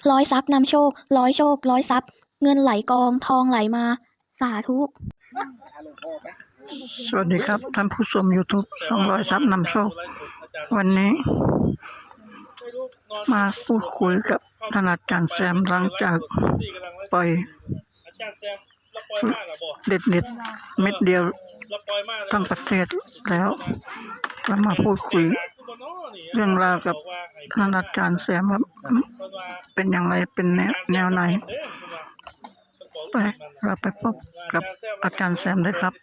ร้อยทรัพย์นำโชคร้อยโชคร้อยทรัพย์เงินไหลกองทองไหลมาสาธุสวัสดีครับท่านผู้ชม YouTube 200ทรัพย์นำโชควันนี้มาพูดคุยกับท่านอาจารย์แซมหลังจากปล่อยเด็ดเม็ดเดียวทั้งประเทศแล้วก็มาพูดคุยเรื่องราวกับท่านอาจารย์แซมว่าเป็นอย่างไรเป็นแนวไหนไปเราไปพบกับอาจารย์แซมเลยครับ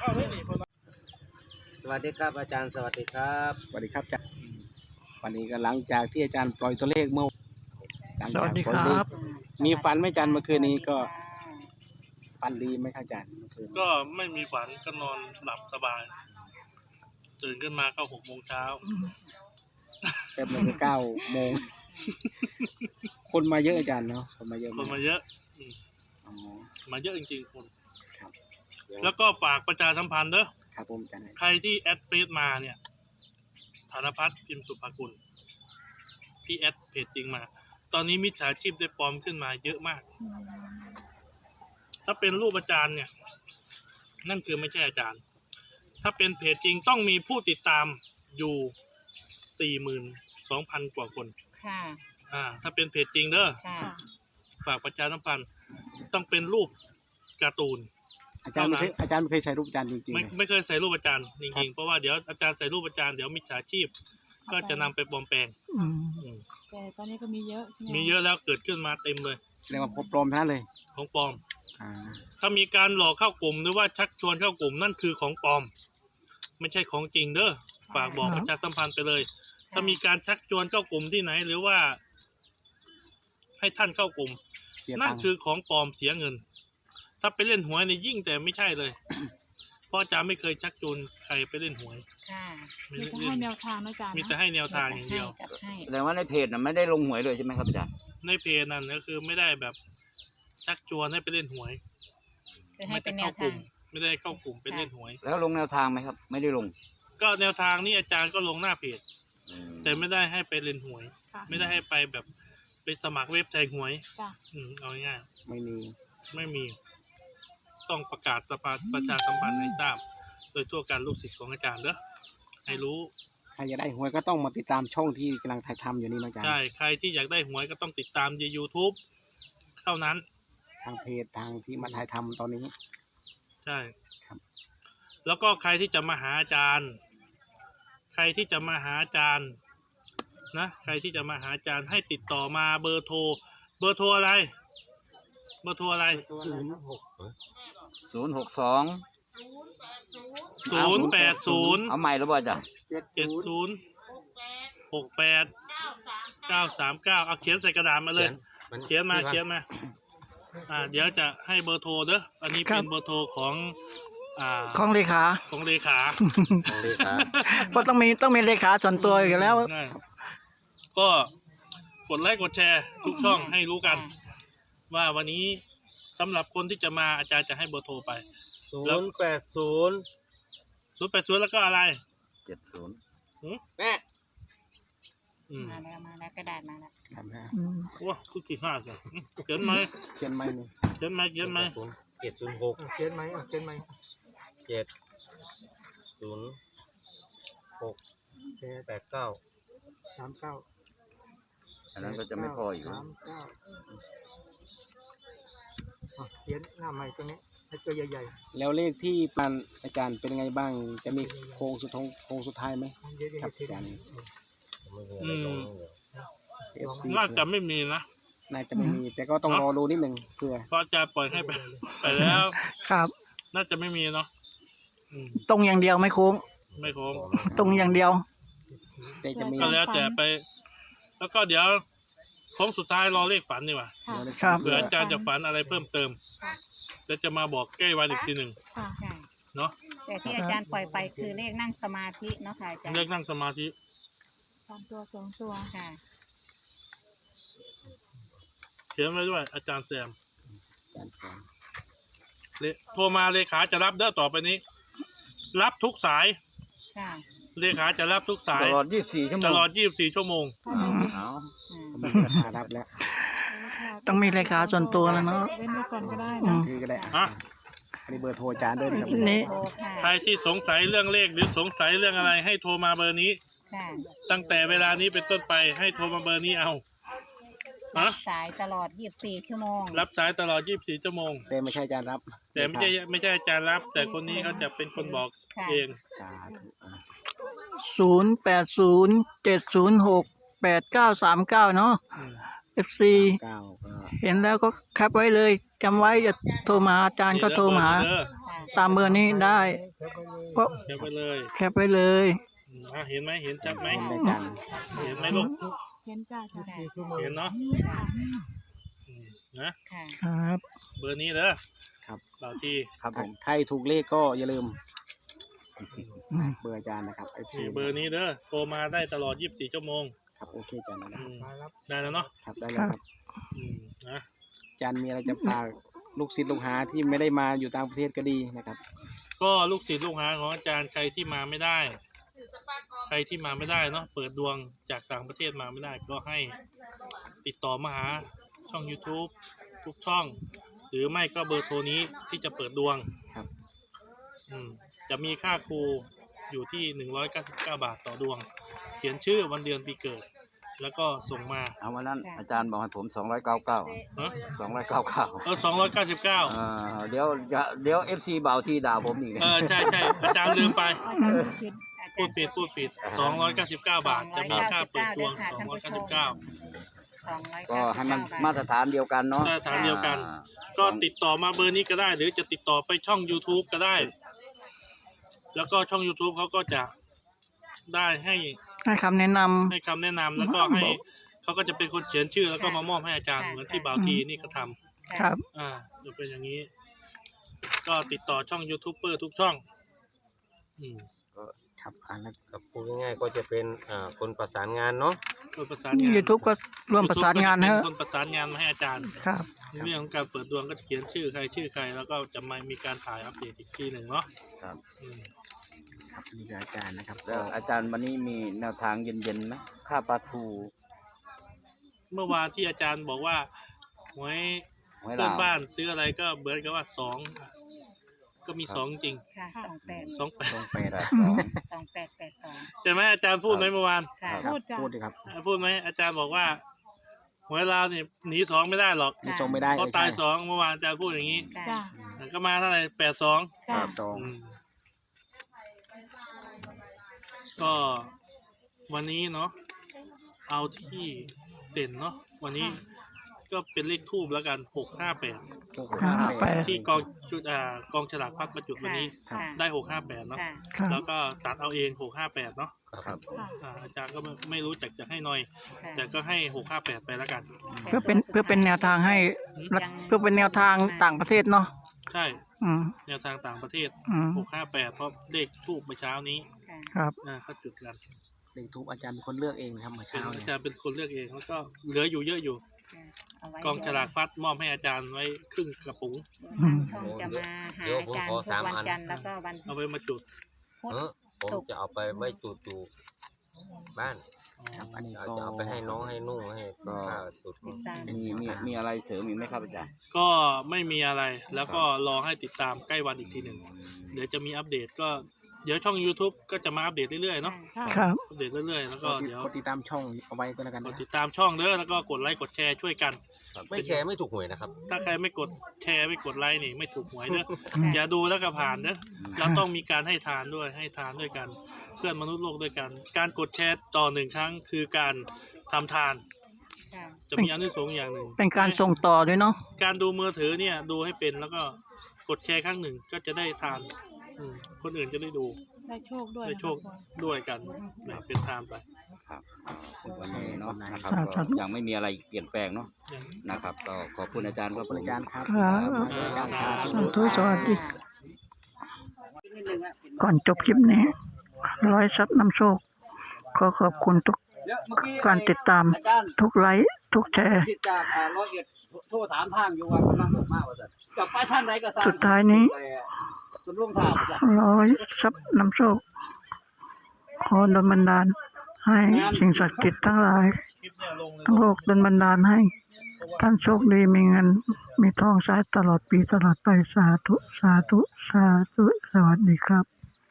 สวัสดีครับอาจารย์สวัสดีครับสวัสดีครับอาจารย์วันนี้ก็หลังจากที่อาจารย์ปล่อยตัวเลขเมื่อสวัสดีครับมีฝันไหมอาจารย์เมื่อคืนนี้ก็ฝันดีไหมครับอาจารย์เมื่อคืนก็ไม่มีฝันก็นอนหลับสบาย ตื่นขึ้นมาก็6 โมงเช้าเต็มเลย9 โมง คนมาเยอะอาจารย์เนาะคนมาเยอะคนมาเยอะอ๋อมาเยอะจริงๆคนครับแล้วก็ฝากประชาสัมพันธ์เด้อครับผมอาจารย์ใครที่แอดเฟซมาเนี่ยธนพัฒน์พิมพ์สุภกุลที่แอดเพจจริงมา ตอนนี้มิจฉาชีพได้ปลอมขึ้นมาเยอะมาก ถ้าเป็นรูปอาจารย์เนี่ย นั่นคือไม่ใช่อาจารย์ ถ้าเป็นเพจจริงต้องมีผู้ติดตามอยู่ 42,000 กว่าคนค่ะถ้าเป็นเพจจริงเด้อค่ะฝากประชาสัมพันธ์ต้องเป็นรูปการ์ตูนอาจารย์ไม่เคยใส่รูปอาจารย์จริงๆไม่เคยใส่รูปอาจารย์จริงๆเพราะว่าเดี๋ยวอาจารย์ใส่รูปอาจารย์เดี๋ยวมิจฉาชีพ ก็จะนำไปปลอมแปลงแต่ตอนนี้ก็มีเยอะใช่ไหมมีเยอะแล้วเกิดขึ้นมาเต็มเลยแสดงว่าปลอมทั้งนั้นเลยของปลอมอ่าถ้ามีการหลอกเข้ากลุ่มหรือว่าชักชวนเข้ากลุ่มนั่นคือของปลอม ไม่ใช่ของจริงเด้อฝากบอกประชาสัมพันธ์ไปเลย ถ้ามีการชักชวนเข้ากลุ่มที่ไหนหรือว่า ให้ท่านเข้ากลุ่มเสียนั่ตันงค์คือของปลอมเสียเงิน ถ้าไปเล่นหวยเนี่ยยิ่งแต่ไม่ใช่เลย เพราะอาจารย์ไม่เคยชักชวนใครไปเล่นหวยค่ะไม่มีได้แต่เล่ให้นแนวทางนะอาจารย์มีแต่ให้แนวทางอย่างเดียวจัดให้แสดงว่าในเพจน่ะไม่ได้ลงหวยเลยใช่ไหมครับอาจารย์ในเพจนั่นก็คือไม่ได้แบบชักชวนให้ไปเล่นหวยจะให้เป็นแนวเข้ากทาลุ่งม ไม่ได้เข้ากลุ่มไปเล่นหวยแล้วลงแนวทางไหมครับ ไม่ได้ลงก็แนวทางนี้อาจารย์ก็ลงหน้าเพจอืมแต่ไม่ได้ให้ไปเล่นหวยค่ะไม่ได้ให้ไปแบบไปสมัครเว็บแทงหวยจ้ะเอาง่ายไม่มีๆไม่มี ต้องประกาศสภาประชาสัมพันธ์ให้ทราบโดยทั่วการลูกศิษย์ของอาจารย์เด้อให้รู้ใครอยากได้หวยก็ต้องมาติดตามช่องที่กำลังถ่ายทำอยู่นี่นะอาจารย์ใช่ใครที่อยากได้หวยก็ต้องติดตามใน YouTube เท่านั้นทางเพจทางที่มาถ่ายทำตอนนี้ใช่ครับแล้วก็ใครที่จะมาหาอาจารย์ ใครที่จะมาหาอาจารย์นะใครที่จะมาหาอาจารย์ให้ติดต่อมาเบอร์โทรอะไร เบอร์โทรอะไร 062 080 เอาใหม่แล้วบ่อาจารย์ 7068 939เอาเขียนใส่กระดาษมาเลย เขียนมาเดี๋ยวจะให้เบอร์โทรเด้ออันนี้เป็นเบอร์โทรของของเลขาของเลขาเพราะต้องมีเลขาส่วนตัวอยู่แล้วก็กดไลค์กดแชร์ทุกช่องให้รู้กัน ว่าวันนี้สำหรับคนที่จะมาอาจารย์จะให้เบอร์โทรไป080แล้วก็อะไร 70 แม่มาแล้วกระดาษมาแล้วครับนะว้าคือกี่ห้าจ้ะเขียนไหมเขียนไหมนี่เขียนไหม 706เขียนไหมเขียนไหม706 889 39 อันนั้นก็จะไม่พออีกแล้วเขียนหน้าใหม่ตรงนี้ให้ตัวใหญ่แล้วเลขที่ปันอาจารย์เป็นยังไงบ้าง จะมีโค้งสุดท้ายไหมๆเยอะครับๆอาจารย์ FC น่าจะไม่มีนะน่าจะไม่มี แต่ก็ต้องรอดูนิดหนึ่งเพื่อเพราะอาจารย์ปล่อยให้ไป ไปแล้วครับน่าจะไม่มีเนาะตรงอย่างเดียวไม่คุ้มไม่ครบตรงอย่างเดียวแต่จะมีก็แล้วแต่ไป แล้วก็เดี๋ยวโค้งสุดท้ายรอเลขฝันดีกว่าค่ะครับเผื่ออาจารย์จะฝันอะไรเพิ่มเติมแล้วจะมาบอกใกล้วันอีกทีหนึ่งค่ะใช่เนาะแต่ที่อาจารย์ปล่อยไปคือเลขนั่งสมาธิเนาะค่ะอาจารย์เลือกนั่งสมาธิ 3 ตัว 2 ตัวค่ะเขียนไว้ด้วยอาจารย์แซมอาจารย์แซมโทรมาเลขาจะรับเด้อต่อไปนี้ รับทุกสายค่ะเลขาจะรับทุกสายตลอด24 ชั่วโมงตลอด24 ชั่วโมงเอาผมมีราคารับแล้วต้องมีเลขาส่วนตัวแล้วเนาะเว้นไว้ก่อนก็ได้อืนะมคือก็ได้อ่ะอันนี้เบอร์โทรอาจารย์ด้วยนะครับนี่โทรค่ะใครที่สงสัยเรื่องเลขหรือสงสัยเรื่องอะไรให้โทรมาเบอร์นี้ค่ะตั้งแต่เวลานี้เป็นต้นไปให้โทรมาเบอร์นี้เอาฮะสายตลอด 24 ชั่วโมงรับสายตลอด 24 ชั่วโมงแต่ไม่ใช่อาจารย์รับแต่ไม่ใช่อาจารย์รับ แต่คนนี้เขาจะเป็นคนบอกค่ะเองสาธุอ่ะ 0807068939เนาะอืม FC 9ก็เห็นแล้วก็แคปไว้เลยจำไว้จะโทรมาหาอาจารย์ก็โทรมาหาเด้อค่ะตามเบอร์นี้ได้ก็เดี๋ยวไปเลยแคปไว้เลยเห็นไหมเห็นชัดไหมเห็นได้อาจารย์เห็นไหมลูกเห็นจ้าจ้าเห็นเนาะอืมนะค่ะครับเบอร์นี้เด้อครับบ่าวที่ครับผมใครถูกเลขก็อย่าลืมอืมเบอร์อาจารย์นะครับ FC นี่เบอร์นี้เด้อโทรมาได้ตลอด 24 ชั่วโมงครับโอเคอาจารย์นะอืมได้แล้วเนาะครับได้แล้วครับอืมนะอาจารย์มีอะไรจะฝากลูกศิษย์ลูกหาที่ไม่ได้มาอยู่ต่างประเทศก็ดีนะครับก็ลูกศิษย์ลูกหาของอาจารย์ใครที่มาไม่ได้ ใครที่มาไม่ได้เนาะเปิดดวงจากต่างประเทศมาไม่ได้ ก็ให้ติดต่อมาหาช่อง YouTube ทุกช่อง หรือไม่ก็เบอร์โทรนี้ที่จะเปิดดวงครับจะมีค่าครูอยู่ที่199 บาทต่อดวง เขียนชื่อวันเดือนปีเกิด แล้วก็ส่งมาเอาวันนั้นอาจารย์บอกให้ผม299 เนาะ 299 299 เดี๋ยว FC เบาที่ด่าผมอีกใช่อาจารย์ลืมไปอาจารย์ผิดพูดผิด299 บาท จะมีค่าเปิดดวง 299 ก็ให้มันมาตรฐานเดียวกันเนาะมาตรฐานเดียวกัน ก็ติดต่อมาเบอร์นี้ก็ได้ หรือจะติดต่อไปช่อง YouTube ก็ได้ แล้วก็ช่อง YouTube เขาก็จะได้ให้ให้คำแนะนให้คำแนะนำแล้วก็ให้เขาก็จะเป็นคนเขียนชื่อแล้วก็มามอบให้อาจารย์เหมือนที่บ่าวทีนี่ก็ทำำครับจะเป็นอย่างนี้ ก็ติดต่อช่องยูทูบเบอร์ทุกช่องครับแล้วครับพูดง่ายๆก็จะเป็นคนประสานงานเนาะคนประสานงาน YouTube ก็ร่วมประสานงาน YouTube เถอะก็จะเป็นคนประสานงานมาให้อาจารย์ครับเรื่องของการเปิดดวงก็จะเขียนชื่อใคร แล้วก็จะมามีการถ่ายอัปเดตอีกทีหนึ่งเนาะครับอืมครับนี่คืออาจารย์นะครับแล้วอาจารย์วันนี้มีแนวทางเย็นๆไหมค่าปลาทูเมื่อวานที่อาจารย์บอกว่าหวยหวยเพื่ลาอนวบ้านซื้ออะไรก็เหมือนกับว่าก็มีครับสองจริงค่ะ 28 ใช่ไหมอาจารย์พูดไหมเมื่อวานค่ะครับพูดจ้ะพูดดิครับพูดไหมอาจารย์บอกว่าหวยลาวเนี่ยหนี2ไม่ได้หรอกนี่ส่งไม่ได้เพราะตาย2เมื่อวานอาจารย์พูดอย่างนี้จ้าก็มาเท่าไหร่82 จ้าสองก็วันนี้เนาะเอาที่เด่นเนาะวันนี้ก็เป็นเลขทูบแล้วกัน658 658 ที่กองฉลากพัดประจุดวันนี้ค่ะได้658เนาะค่ะครับแล้วก็ตัดเอาเอง658เนาะครับอาจารย์ก็ไม่รู้จักจะให้หน่อยค่ะแต่ก็ให้658ไปแล้วกันเพื่อเป็นแนวทางให้รัฐเพื่อเป็นแนวทางต่างประเทศเนาะใช่อืมแนวทางต่างประเทศอืม 658เพราะเลขทูบเมื่อเช้านี้ค่ะครับเขาจุดกันเลขทูปอาจารย์เป็นคนเลือกเองนะครับเมื่อเป็นเช้าอาเนี่ยจารย์เป็นคนเลือกเองแล้วก็เหลืออยู่เยอะอยู่เอาไว้กองฉลากพัดมอบให้อาจารย์ไว้ครึ่งกระปุกทางช่องจะมาหาอาจารย์ทุกวันจันทร์แล้วก็วันเอาไว้มาจุดพุธผมจะเอาไปไว้จุดบ้านครับอันนี้อาจก็จะเอาไปให้น้องให้นุ่งให้ข้าวจุดติดตามมีอะไรเสริมอีกไหมครับอาจารย์ก็ไม่มีอะไรแล้วก็รอให้ติดตามใกล้วันอีกทีหนึ่งเดี๋ยวจะมีอัปเดตก็เดี๋ยวช่อง YouTube ก็จะมาอัปเดตเรื่อยๆเนาะครับอัปเดตเรื่อยๆแล้วก็เดี๋ยวกดติดตามช่องเอาไว้ก็แล้วกันกดนะติดตามช่องเด้อแล้วก็กดไลค์กดแชร์ช่วยกันไม่แชร์ไม่ถูกหวยนะครับถ้าใครไม่กดแชร์ไม่กดไลค์นี่ไม่ถูกหวยเด้ออย่าดูแล้วก็ผ่านเด้อเราต้องมีการให้ทานด้วยกัน เพื่อนมนุษย์โลกด้วยกัน การกดแชร์ต่อ1ครั้งคือการทำทานค่ะจะมีอานิสงส์อย่างหนึ่งเป็นการส่งต่อด้วยเนาะการดูมือถือเนี่ยดูให้เป็นแล้วก็กดแชร์ครั้งหนึ่งก็จะได้ทานคนอื่นจะได้ดูได้โชคด้วยได้โชคด้วยกันแบ่งเป็นทานไปวันนี้เนาะนะครับครับก็ยังไม่มีอะไรเปลี่ยนแปลงเนาะนะครับ ก็ขอบคุณอาจารย์ครับขอบคุณอาจารย์ครับครับอาจารย์ครับสาธุสวัสดีก่อนจบคลิปนี้ร้อยซับนำโชคขอขอบคุณทุกการติดตามทุกไลค์ทุกแชร์จากร้อยเอ็ดโทรถามทางอยู่ว่ากำลังบอกมากว่าจะกลับไปทางไหนก็ทราบสุดท้ายนี้ส่วนร่วงทางว่าจะร้อยซับนำโชคขอดลบันดาลให้สิ่งศักดิ์สิทธิ์ทั้งหลายคลิปเนี่ยลงเลยทั้งโลกดลบันดาลให้เพราะท่านโชคดีมีเงินมีทองใช้ตลอดปีตลอดไปสาธุสาธุสาธุสวัสดีครับ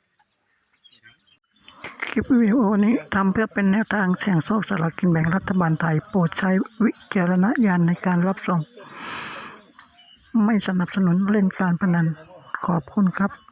คลิปวิดีโอนี้ทำเพื่อเป็นแนวทางเสี่ยงโชคสลากกินแบ่งรัฐบาลไทยโปรดใช้วิจารณญาณในการรับชมไม่สนับสนุนเล่นการพนันขอบคุณครับ